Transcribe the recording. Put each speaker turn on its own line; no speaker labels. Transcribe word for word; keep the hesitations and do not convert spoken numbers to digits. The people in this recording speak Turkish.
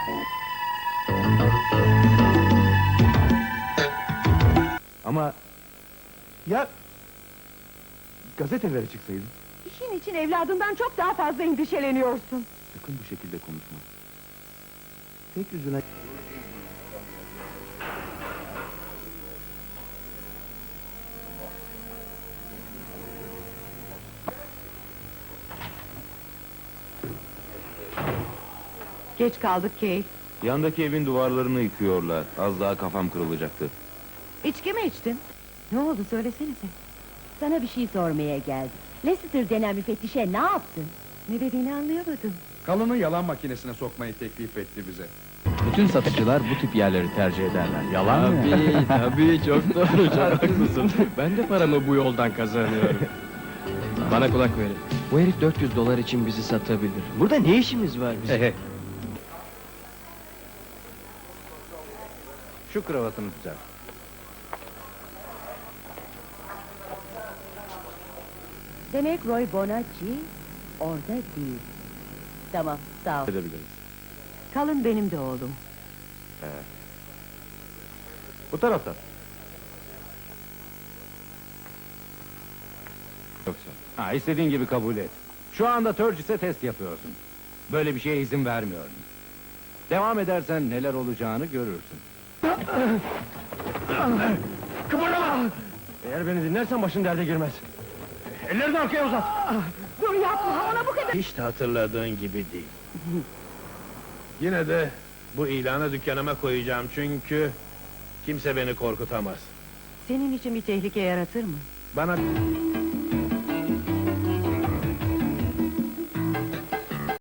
Ama... Ya... Gazetelere çıksaydın.
İşin için evladından çok daha fazla endişeleniyorsun.
Sakın bu şekilde konuşma. Tek yüzüne...
Geç kaldık Kate.
Yandaki evin duvarlarını yıkıyorlar. Az daha kafam kırılacaktı.
İçki mi içtin? Ne oldu söylesenize.
Sana bir şey sormaya geldik. Leicester denen müfettişe ne yaptın?
Ne dediğini anlayamadım.
Kalını yalan makinesine sokmayı teklif etti bize.
Bütün satıcılar bu tip yerleri tercih ederler. Yalan mı?
Tabii, tabii, çok doğru, çok haklısın. Ben de paramı bu yoldan kazanıyorum. Bana kulak verin. Bu herif dört yüz dolar için bizi satabilir. Burada ne işimiz var bizim?
Şu kravatını düzelt.
Demek Roy Bonacci orada değil. Tamam, sağ ol.
Edebiliriz.
Kalın benim de oğlum.
Bu taraftan.
Yoksa. Ha, istediğin gibi kabul et. Şu anda Turgis'e test yapıyorsun. Böyle bir şeye izin vermiyorum. Devam edersen neler olacağını görürsün.
Kıpırdama! Eğer beni dinlersen başın derde girmez. Ellerini arkaya uzat!
Dur yapma, ona bu kadar...
Hiç de hatırladığın gibi değil. Yine de bu ilanı dükkanıma koyacağım çünkü kimse beni korkutamaz.
Senin için bir tehlike yaratır mı?
Bana